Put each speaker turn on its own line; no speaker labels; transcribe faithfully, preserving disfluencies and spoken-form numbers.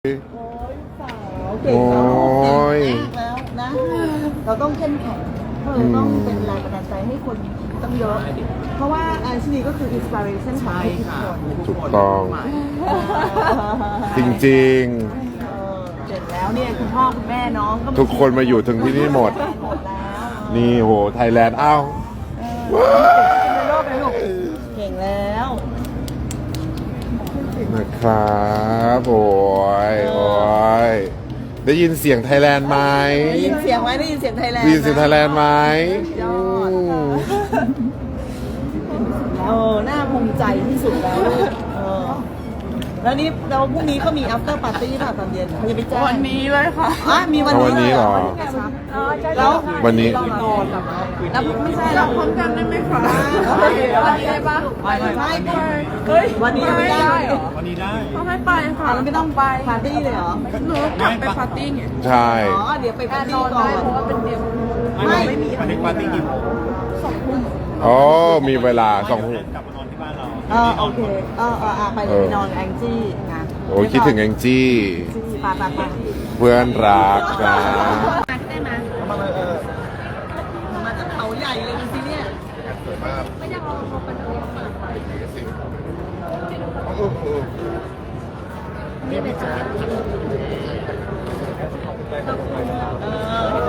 โอ้ยสาวเก่ง
โอ้ย
แล้วนะ เราต้องเข้มแข็งเราต้องเป็นแรงบันดาลใจให้คนต้องเยอะ เพราะว่าอาชีพก็คืออินสปิเรชันของทุกคน
ถูกต้อง จริง
เออเสร็จแล้วเนี่ยคุณพ่อคุณแม่น้องก็
ๆ ทุกคนมาอยู่ถึงที่นี่หมด
หมดแล้ว
นี่โหไทยแลนด์อ้าว
เออในโลกเลยลูกเก่งแล้ว
นะครับโอ้ยโอ้ยได้ยินเสียงไทยแลนด์ไหม
ได้ยินเสียงไหมได้ยินเสียงไทยแลนด์
ได้ยินเสียงไทยแลนด์ไหม
ยอดเออน่าภูมิใจที่สุดแล้วเออแล้วนี่แล้วพรุ่งนี้ก็มี after party ป่ะตอนเย็นเขาจะไปแจ้ง
วันนี้เลยค่ะ
อ่ะมีวัน
เอาวันนี้
นี้
เหรอ
แล้ว
วันนี้
แล้วไม่ใช่
เรา
แล้ว
พร้อมกันได้ไหมคะ
วันนี้
วันนี้ได้ปะ
ไม่ไม่ไม่
เฮ้ย
วันนี้ไม่ได้เหรอ
วันนี้ได้
ต้องให้ไปค่ะ
เราไม่ต้องไปปาร์ตี้เลยเหรอ
หนูกลับไปปาร์ตี้ไง
ใช่
อ๋อเดี๋ยวไปปาร์ตี้
นอน
ก่อ
ได้
น
เพราะว่าเป็นเด็ก
ไม่
ไม่มีวันนี้ปาร์ตี้กี่โมง
อ๋อมีเวลาสอง
เดี๋ยวกลับมานอนที่บ้านเรา
เออโอเคเออเอออ่ะไปเลยไปนอนแองจี้นะ
โอ้ยคิดถึงแองจี้
ปาปาปา
เพื่อนรักนะ
ได้ไหม
มาจากเขาใหญ่เลยดูสิเนี่ย
ไม่อยากเอาเขาไปดูนี่เป็นจังหวะ
เออ